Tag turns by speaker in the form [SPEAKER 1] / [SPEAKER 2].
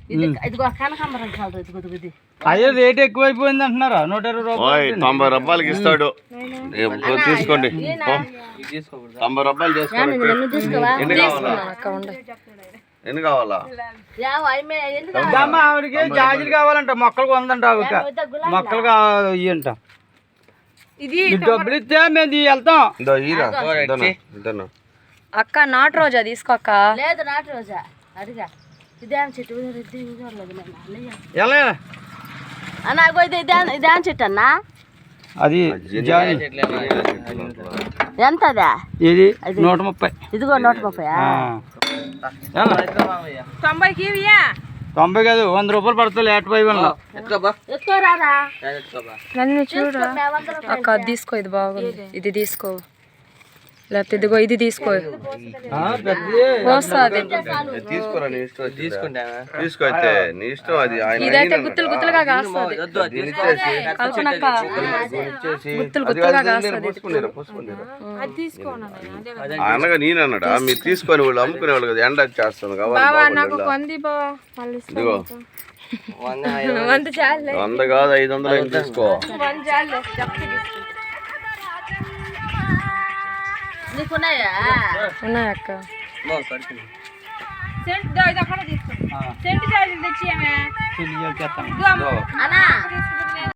[SPEAKER 1] ఇదిగో కనకాంబరం కలర్ ఇదిగో
[SPEAKER 2] అయ్యో రేట్ ఎక్కువైపోయింది అంటున్నారా 120 రూపాయలు
[SPEAKER 3] 90 రూపాయలకి ఇస్తాడు తీసుకోండి 90 రూపాయలు చేసుకోండి ఎన్ని కావాలా
[SPEAKER 2] ఆవిడకి జాజీలు కావాలంట మొక్కలు కొందంట మొక్కలు ఇయ్యంట
[SPEAKER 4] ఇది
[SPEAKER 2] డబ్బులు ఇస్తే మేము వెళ్తాం
[SPEAKER 4] అక్క నాటు రోజా తీసుకో అక్క
[SPEAKER 1] లేదు నాటు రోజా అడిగా ఇదే చెట్టు
[SPEAKER 2] ఎలా
[SPEAKER 1] అన్నా ఇదే చెట్టు అన్నా
[SPEAKER 2] అది
[SPEAKER 1] ఎంతదా
[SPEAKER 2] ఇది 130
[SPEAKER 1] ఇదిగో 130
[SPEAKER 4] 90కి
[SPEAKER 2] 90 కాదు 100 రూపాయలు పడుతుంది లేట్ పై
[SPEAKER 1] ఎక్కువ రాదా
[SPEAKER 4] నన్ను చూడు అక్క అది తీసుకో ఇది బాగుంది ఇది తీసుకో లేకపోతే ఇదిగో ఇది తీసుకో వస్తుంది
[SPEAKER 3] తీసుకోరా నీ ఇష్టం తీసుకో నీ ఇష్టం అది
[SPEAKER 4] ఇదైతే గుత్తులు గుత్తులుగా కాస్తుంది కల్పనక్క గుత్తులు గుత్తులుగా కాస్తుంది
[SPEAKER 3] అనగా నేను అన్నాడా మీరు తీసుకొని వాళ్ళు అమ్ముకునే వాళ్ళు కదా ఎండ చేస్తాను
[SPEAKER 4] కాబట్టి
[SPEAKER 3] ఇదిగో 100 కాదు 500 తీసుకో
[SPEAKER 1] నీకున్నాయా
[SPEAKER 4] ఉన్నాయక్క
[SPEAKER 1] అన్నా